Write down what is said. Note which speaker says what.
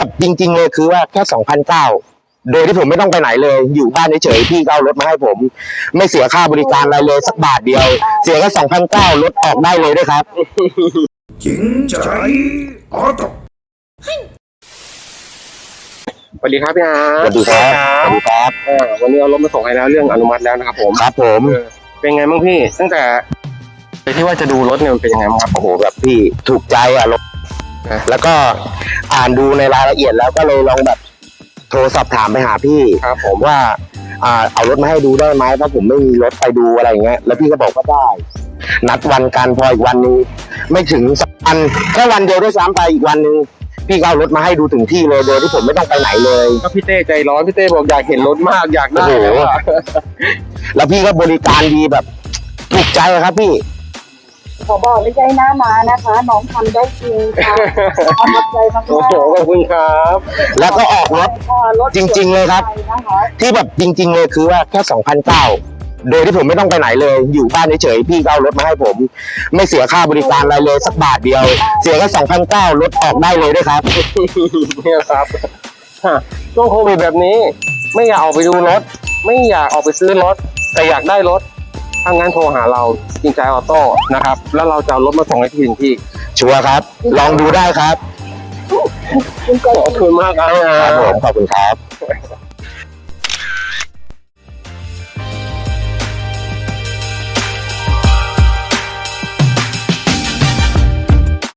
Speaker 1: จริงๆเลยคือว่าแค่2,900โดยที่ผมไม่ต้องไปไหนเลยอยู่บ้านเฉยๆพี่ก็เอารถมาให้ผมไม่เสียค่าบริการอะไรเลยสักบาทเดียวเสียแค่2,900รถออกได้เลยด้วยครับ
Speaker 2: จริงใจออโต้
Speaker 3: สวัสดีครับพี่อาร์ต
Speaker 1: สวัสดีครับสวัสดีครับ
Speaker 3: วันนี้เอารถมาส่งให้แล้วเรื่องอนุมัติแล้วนะครับผม
Speaker 1: ครับผม
Speaker 3: เป็นไงบ้างพี่ตั้งแต่ที่ว่าจะดูรถเนี่ยมันเป็นยังไงบ้างครับ
Speaker 1: โอ้โหแบบพี่ถูกใจอ่ะรถแล้วก็อ่านดูในรายละเอียดแล้วก็เลยลองแบบโทรสอบถามไปหาพี่
Speaker 3: ครับผม
Speaker 1: ว่าเอารถมาให้ดูได้ไหมเพราะผมไม่มีรถไปดูอะไรอย่างเงี้ยแล้วพี่ก็บอกว่าได้นัดวันกันพออีกวันนึงไม่ถึง2 วันแค่วันเดียวด้วยซ้ำไปอีกวันนึงพี่ก็เอารถมาให้ดูถึงที่เลยโดยที่ผมไม่ต้องไปไหนเลย
Speaker 3: ก็พี่เต้ใจร้อนพี่เต้บอกอยากเห็นรถมากอยากได้
Speaker 1: โอ้โห แล้วพี่ก็บริการดีแบบถูกใจครับพี่
Speaker 4: ขอบอกไม่ใช่หน้ามานะคะ น้องทำได้จริงค่ะประทับใจมาก
Speaker 3: โอ้โหขอบคุณครับ
Speaker 1: แล้วก็ออกรถ จริงๆเลยครับ ที่แบบจริงๆเลยคือว่าแค่2,900โดยที่ผมไม่ต้องไปไหนเลยอยู่บ้านเฉยๆพี่ก็เอารถมาให้ผมไม่เสียค่าบริการอะไรเลยสักบาทเดียวเสียแค่2,900รถออกได้เลยด้วยครับ
Speaker 3: เนี่ยครับช่วงโควิดแบบนี้ ไม่อยากออกไปดูรถ ไม่อยากออกไปซื้อรถ แต่อยากได้รถถ้างั้นโทรหาเราจริงใจออโต้นะครับแล้วเราจะเอารถมาส่งให้ที่ถึงที่
Speaker 1: ชัวร์ครับ ลองดูได้ครับ
Speaker 3: ขอบคุณมากครับ
Speaker 1: ครับผมขอบคุณครับ